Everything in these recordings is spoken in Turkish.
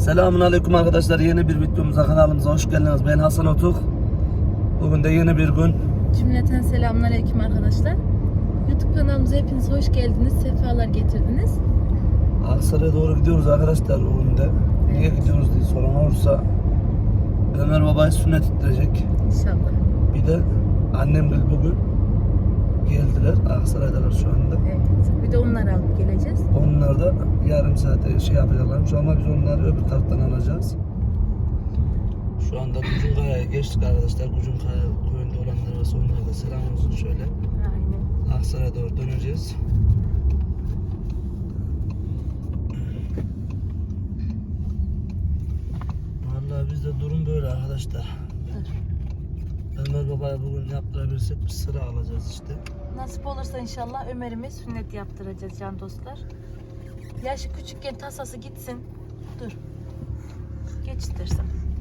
Selamünaleyküm arkadaşlar. Yeni bir videomuza, kanalımıza hoş geldiniz. Ben Hasan Otuk. Bugün de yeni bir gün. Cümleten selamünaleyküm arkadaşlar. YouTube kanalımıza hepiniz hoş geldiniz. Sefalar getirdiniz. Aksaray'a doğru gidiyoruz arkadaşlar bugün de. Niye gidiyoruz diye soran olursa Ömer babayı sünnet ettirecek. İnşallah. Bir de annem bugün geldiler. Aksaray'dalar şu anda. Evet. Bir de onları alıp geleceğiz. Onlar da yarım saate şey yapacaklarmış ama biz onları öbür taraftan alacağız. Şu anda Kucunkaya'ya geçtik arkadaşlar. Kucunkaya köyünde olanlar varsa onlara da selam olsun şöyle. Aynen. Aksaray'a doğru döneceğiz. Vallahi bizde durum böyle arkadaşlar. Ömer babaya bugün yaptırabilirsek bir sıra alacağız işte. Nasip olursa inşallah Ömer'ime sünnet yaptıracağız can dostlar. Yaşı küçükken tasası gitsin. Dur. Geçtirsin.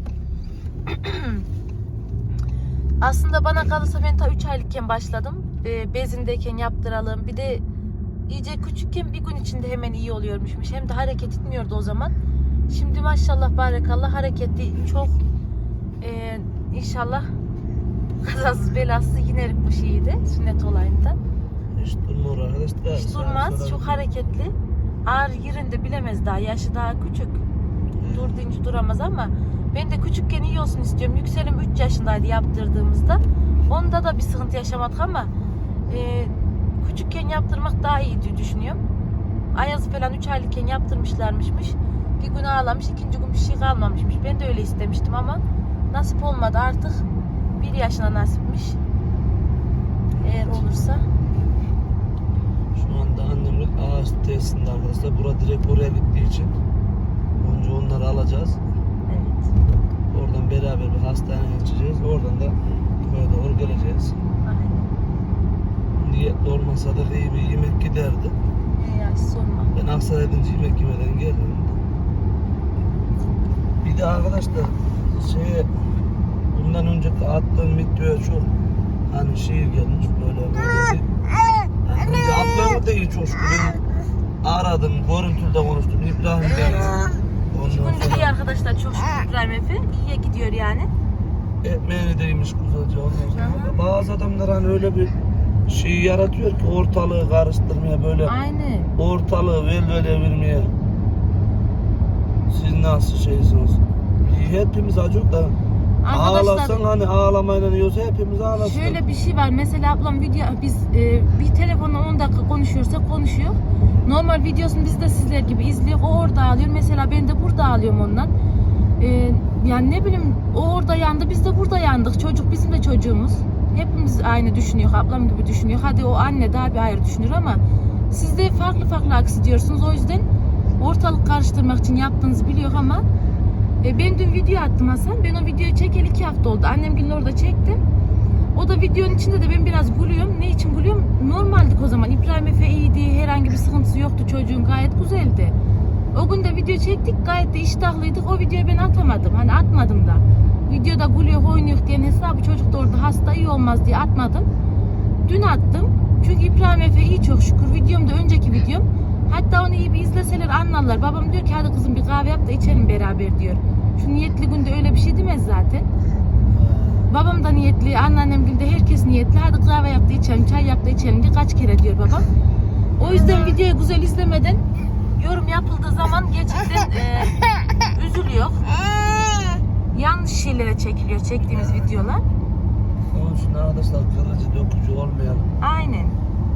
Aslında bana kalırsa ben ta 3 aylıkken başladım. Bezindeyken yaptıralım. Bir de iyice küçükken bir gün içinde hemen iyi oluyormuşmuş. Hem de hareket etmiyordu o zaman. Şimdi maşallah barakallah hareketli çok. İnşallah kazasız belasız yinerik bu şeyi de sünnet olayında. Hiç durmuyor arkadaşlar. Hiç durmaz. Çok hareketli. Ağır yerinde bilemez daha. Yaşı daha küçük. Dur deyince duramaz ama ben de küçükken iyi olsun istiyorum. Yükselim 3 yaşındaydı yaptırdığımızda. Onda da bir sıkıntı yaşamadık ama küçükken yaptırmak daha iyi diye düşünüyorum. Ayazı falan 3 aylıkken yaptırmışlarmışmış. Bir gün ağlamış, ikinci gün bir şey kalmamışmış. Ben de öyle istemiştim ama nasip olmadı artık. 1 yaşına nasipmiş. Eğer olursa. Şu anda annemin ağaç tesisinde arkadaşlar. Bura direkt oraya gittiği için önce onları alacağız. Evet. Oradan beraber bir hastaneye geçeceğiz. Oradan da köye doğru geleceğiz. Aynen. Niyetli olmasa da iyi bir yemek giderdi. Ya sorma. Ben Aksaray'dan yemek yemeden geldim. Bir de arkadaşlar bundan önceki attığım videoya çok hani gelmiş böyle yani önce atlarım da iyi çok şükür. Aradım, görüntülde konuştum. İbrahim Bey. İki gündür iyi arkadaşlar, çok şükür İbrahim Efe. İyiye gidiyor yani. Ekmeğini değmiş güzelce ondan sonra. Bazı adamlar hani öyle bir şey yaratıyor ki ortalığı karıştırmaya böyle. Aynen. Ortalığı velvele vermeye. Siz nasıl şeysiniz? Hepimiz acık da ağlasan hani ağlamayla yiyorsa hepimiz ağlasın. Şöyle bir şey var. Mesela ablam biz bir telefonla 10 dakika konuşuyorsak konuşuyor. Normal videosunu biz de sizler gibi izliyor. O orada ağlıyor. Mesela ben de burada ağlıyorum ondan. Yani ne bileyim o orada yandı. Biz de burada yandık. Çocuk bizim de çocuğumuz. Hepimiz aynı düşünüyor. Ablam gibi düşünüyor. Hadi o anne daha bir ayrı düşünür ama siz de farklı farklı aksi diyorsunuz. O yüzden ortalık karıştırmak için yaptığınızı biliyor ama ben dün video attım Hasan. Ben o videoyu çekeli 2 hafta oldu. Annemgilin orada çektim. O da videonun içinde de ben biraz gülüyorum. Ne için gülüyorum? Normaldik o zaman. İbrahim Efe iyiydi. Herhangi bir sıkıntısı yoktu. Çocuğun gayet güzeldi. O gün de video çektik. Gayet de iştahlıydık. O videoyu ben atamadım. Hani atmadım da. Videoda gülüyor, oynuyor diyen hesabı çocuk da orada hasta iyi olmaz diye atmadım. Dün attım. Çünkü İbrahim Efe iyi çok şükür. Videomda önceki videom. Hatta onu iyi bir izleseler anlarlar. Babam diyor ki hadi kızım bir kahve yap da içelim beraber diyor. Şu niyetli günde öyle bir şey demez zaten. Babam da niyetli, anneannem de herkes niyetli. Hadi kahve yap da içelim, çay yap da içelim diye kaç kere diyor babam. O yüzden videoyu güzel izlemeden yorum yapıldığı zaman gerçekten üzülüyor. Yanlış şeylere çekiliyor çektiğimiz videolar. Onun için arkadaşlar kırıcı dökücü olmayalım. Aynen.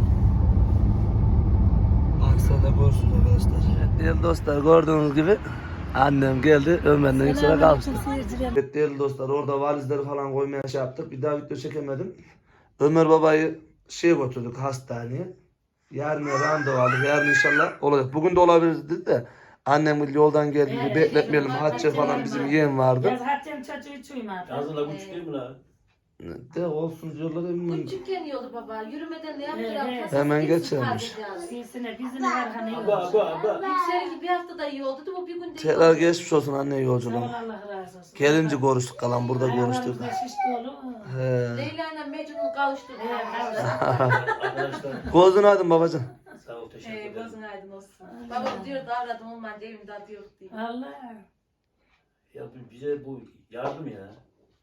Aksaray'da görüşürüz arkadaşlar. Değerli dostlar gördüğünüz gibi annem geldi Ömer'den yüksele kalmıştı. Evet değerli dostlar orada valizleri falan koymaya şey yaptık. Bir daha video çekemedim. Ömer babayı götürdük hastaneye. Yarın randevu aldık. Yarın inşallah olacak. Bugün de olabilirdi de annem yoldan geldi. Bekletmeyelim. Hatice falan bizim yeğen vardı. Yaz Hatice'nin çocuğu hiç uyumadı. Yazıla küçük değil mi la? De olsun diyorlar eminim. Küçükken iyi olur baba. Yürümeden de yaptılar. Evet. Hemen geçermiş. Sizine bizine Erhan'ı yok. Aba. Yükselince bir hafta da iyi oldu. Bu bir gün de iyi Tekrar oldu. geçmiş olsun anne yolculuğum. Allah razı olsun. Gelince konuştuk kalan burada konuştuk. Ayağımızda şiş dolu. He. Leyla ile Mecnun'u kavuşturduk. Arkadaşlar Gözün aydın babacığım. sağ ol teşekkür ederim. Gözün aydın olsun. Babam diyor da aradım olmayınca evimde adı yok diye. Allah. Ya bize bu yardım ya.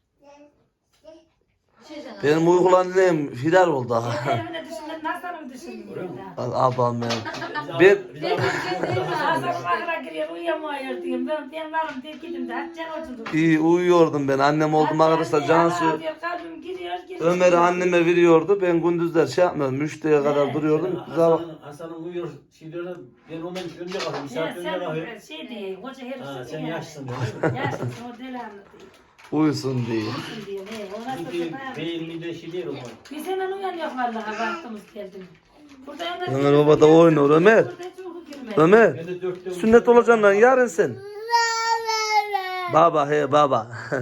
Benim uygulandığım firar oldu ha. Evine düşündüm, Hasan'ı düşündüm. Öyle mi? Abam benim. Biz Hasan mahra giriyor, uyuyamıyor diyeyim. Ben varım diye gidin de Hatice'nin oturdu. İyi uyuyordum ben. Annem oldum arkadaşlar. Cansu Kalbim giriyor. Ömer'i anneme veriyordu. Ben gündüzler şey yapmıyordum. 3'te kadar duruyordum. Hasan'ın uyuyor. Şey diyorlar, ben ondan önce kalkıyorum. Bir saat önce kalkıyorum. Şey diye, hoca herif Ha, şey sen yani. yaşlısın diyor. Yaşlısın, o deli anlatıyor. Uyusun diye. Diyor, ona Çünkü satın beyin de şey değil o zaman. biz hemen uyanıyor vallahi vaktimiz geldi. Burada Ömer baba da oynuyor. Ömer. Ömer. Ben de 4'te Sünnet olacaksın lan yarın sen. Baba he baba.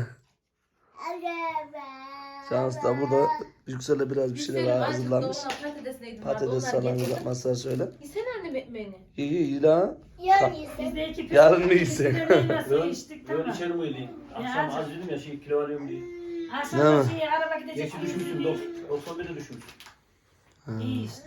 Şans da burada Yüksel'e biraz bir şeyler hazırlanmış. Patates salamı yapmazsa şöyle. Yesene annem ekmeğini. İyi la. Biz de iki Yarın mı yiyecek? Nasıl içtik Böyle tamam. içeri mi yedin? Akşam az dedim ya şey kilo alıyorum diye. Akşam Ne? şey araba gidecek. Geçi düşmüşsün 91'e düşmüşsün. İyi işte.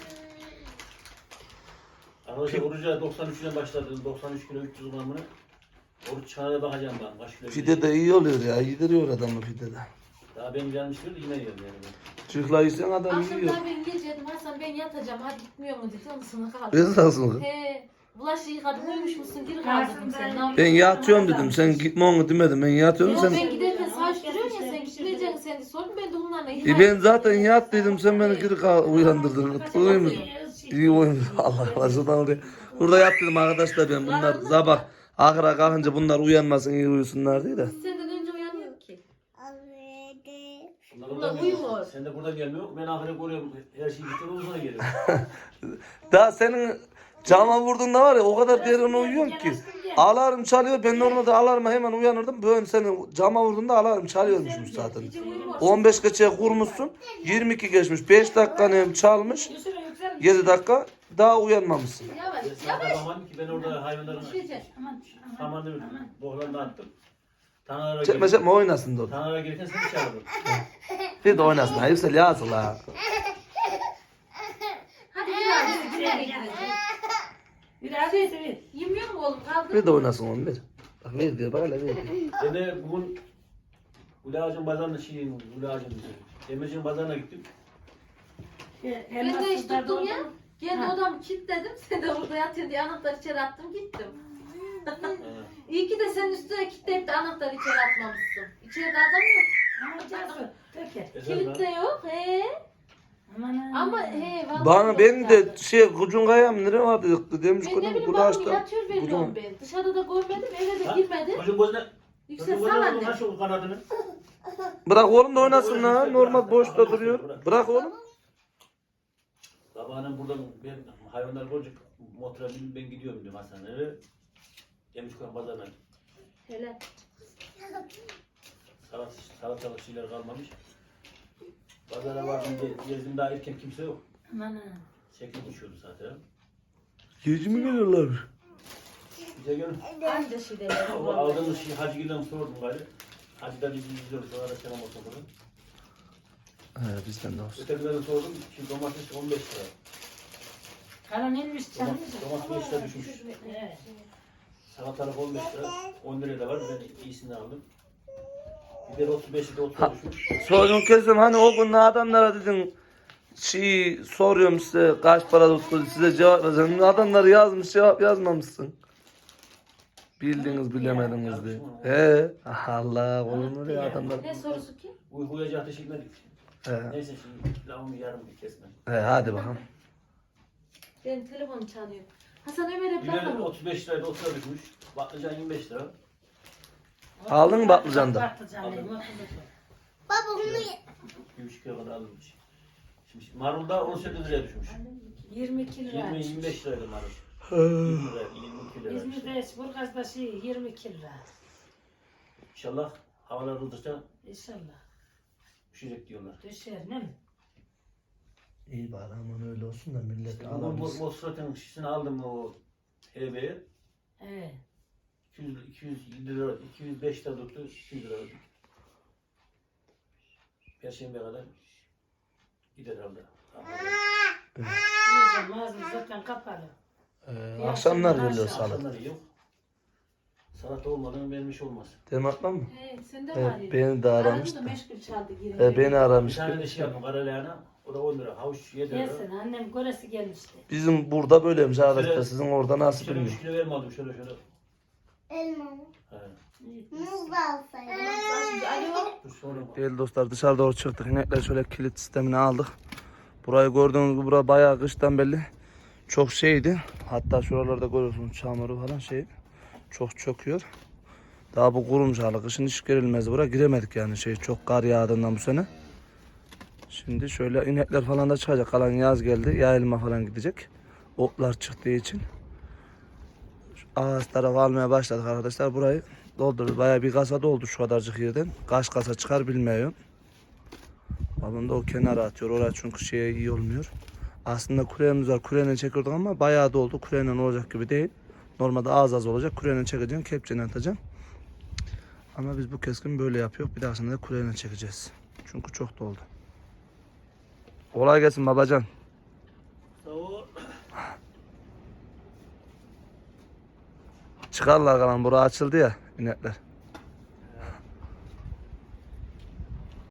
Arkadaşlar oruca 93'üne başladım. 93 kilo 300 gramını. Oruç çıkana bakacağım ben. Kaç kilo Pide de iyi oluyor ya. Yediriyor adamı pide de. daha benim gelmiştir yine yiyorum yani. Çocuklar yiysen adam Akşam yiyor. daha ben geleceğim. Hasan ben yatacağım. Hadi gitmiyor mu dedi. Onun sana kaldı. Esasın. He. Bulaşığı yıkadım. Uyumuş musun? Geri kaldırdım sen. Ne yapıyorsun? Ben yatıyorum dedim. Sen gitme onu demedim. Ben yatıyorum Yok sen. ben giderken savaştırıyorsun ya sen gitmeyeceksin sen de sordun ben de onlarla Ben zaten yat dedim. Sen beni geri uyandırdın. Uyumuş. İyi uyumuş. Allah Allah. Şuradan oraya. Burada yat dedim arkadaşlar ben. Bunlar sabah ahıra kalkınca bunlar uyanmasın iyi uyusunlar diye de. Senden önce uyanıyor ki. Bunlar Bunlar oradan uyumuyor. geliyor. Sen de buradan gelmiyor. Ben ahire koruyorum. Her şeyi bitiyor. Ondan sonra geliyorum. Daha senin cama vurduğunda var ya o kadar derin uyuyorsun ki. Alarm çalıyor. Ben normalde alarma hemen uyanırdım. Böyle senin cama vurduğunda alarm çalıyormuşum zaten. 15 geçe kurmuşsun. 22 geçmiş. 5 dakika çalmış. 7 dakika daha uyanmamışsın. Yavaş Ben sana yavaş. bakamadım ki ben orada hayvanların Düşecek. samanını bohlarını attım. Tanrı'ya Çekme çekme oynasın da. Tanrı'ya gelirken seni çağırdım. Bir de oynasın. Ha, Yüksel yazıl ha. Hadi biraz bir nereye gidiyorsun? Biraz sevin. Yemiyor mu oğlum? Kaldır. Bir de oynasın onu bir. Bak ver diyor bak hele ver diyor. Ben de bugün Ulağacın pazarına Ulağacın Demirci'nin pazarına gittim. Ben de iş tuttum ya. Kendi odamı kilitledim. Sen de orada yatıyorsun diye anahtarı içeri attım gittim. İyi ki de sen üstüne kilitleyip de anahtarı içeri atmamışsın. İçeride adam yok. Ama Cansu, peki. Kilit de yok. He. Aman Ama he vallahi Bana yok ben de zaten. Kucunkaya mı nereye vardı demiş Ben ne kudum bileyim kulu babam açtı. yatıyor veriyorum ben. Dışarıda da görmedim eve de girmedim. Çocuğun gözüne Yüksel sal anne. Nasıl kanadını? Bırak oğlum da oynasın ha. Normal boşta duruyor. Bırak oğlum. Sabahın buradan ben hayvanlar görünce motora binip ben gidiyorum diyorum hastaneye. Demirci'nin pazarına. Hele. Salatalık şeyler kalmamış. Pazara vardım gezdim daha erken kimse yok. Aman. 8 uçuyordu zaten. Gece mi geliyorlar? Bize gelin. Anca şey de. O aldığımız şey Hacıgil'den sordum gari. Hacı'da bizi izliyoruz. Sonra da selam olsun burada. He bizden de olsun. Ötekilerden sordum. Şimdi domates 15 lira. Karan inmiş canım. Domates 5 lira düşmüş. Evet. Salatalık 15 lira. 10 liraya da var. Ben iyisini aldım. Biber 35 lira 30 lira düşmüş. Sorun kesim hani o gün adamlara dedin soruyorum size kaç para tuttu size cevap vereceğim. Adamlar yazmış cevap yazmamışsın. Bildiniz bilemediniz diye. He Allah olur ya adamlar. Ne sorusu ki? Uykuyacağı ateş etmedik. He, Neyse şimdi lavamı yarım bir kesme. he hadi bakalım. Benim telefonum çalıyor. Hasan Ömer'e Biber bakalım. 35 liraydı 30 lira düşmüş. Patlıcan 25 lira. Aldın mı patlıcanı da? Patlıcan değil, Baba bunu 2,5 kilo kadar alınmış. Şimdi marul da 18 liraya düşmüş. 22 lira. 20-25 liraydı marul. 20 lira, 22 lira. işte. İzmir'de Burgaz'da şey 22 lira. İnşallah havalar ıldıkça İnşallah. düşecek diyorlar. Düşer ne mi? İyi bari aman öyle olsun da millet Ama bu alamasın. Mosfet'in şişini aldım o HB'ye. Evet. 200 lira, 205 lira tuttu, 200 lira ödedik. Perşembe kadar gider herhalde. Mağazamız zaten kapalı. Akşamlar geliyor salat. Akşamları yok. Salata olmadan benim iş olmaz. Demet'le mi? Sen de Evet, beni de aramıştı. meşgul çaldı geri. Beni Bir aramıştı. tane de şey yaptım karalahana. O da 10 lira. Havuç 7 lira. Gelsin annem göresi gelmişti. Bizim burada böyleymiş arkadaşlar. Şöyle- Sizin orada nasıl Şöyle 3 bilmiyorum. kilo verme aldım şöyle. Elma. He. Muz da alsaydım. Dur sonra bak. Değerli dostlar dışarı doğru çıktık. İnekler şöyle kilit sistemini aldık. Burayı gördüğünüz gibi bura bayağı kıştan belli. Çok şeydi. Hatta şuralarda görüyorsunuz çamuru falan şey. Çok çöküyor. Daha bu kurumuş hali. Kışın hiç girilmez buraya. Giremedik yani şey çok kar yağdığından bu sene. Şimdi şöyle inekler falan da çıkacak. Kalan yaz geldi. Yayılma falan gidecek. Otlar çıktığı için. Şu ağaç tarafı almaya başladık arkadaşlar. Burayı doldururuz. Bayağı bir kasa doldu şu kadarcık yerden. Kaç kasa çıkar bilmiyorum. Babam da o kenara atıyor. Oraya çünkü şeye iyi olmuyor. Aslında kurenimiz var. Kureyle çekiyorduk ama bayağı doldu. Kureyle olacak gibi değil. Normalde az olacak. Kureyle çekeceğim. Kepçeyle atacağım. Ama biz bu keskin böyle yapıyoruz. Bir dahasında da kureyle çekeceğiz. Çünkü çok doldu. Kolay gelsin babacan. Sağ ol. Çıkarlar kalan. Bura açıldı ya inekler.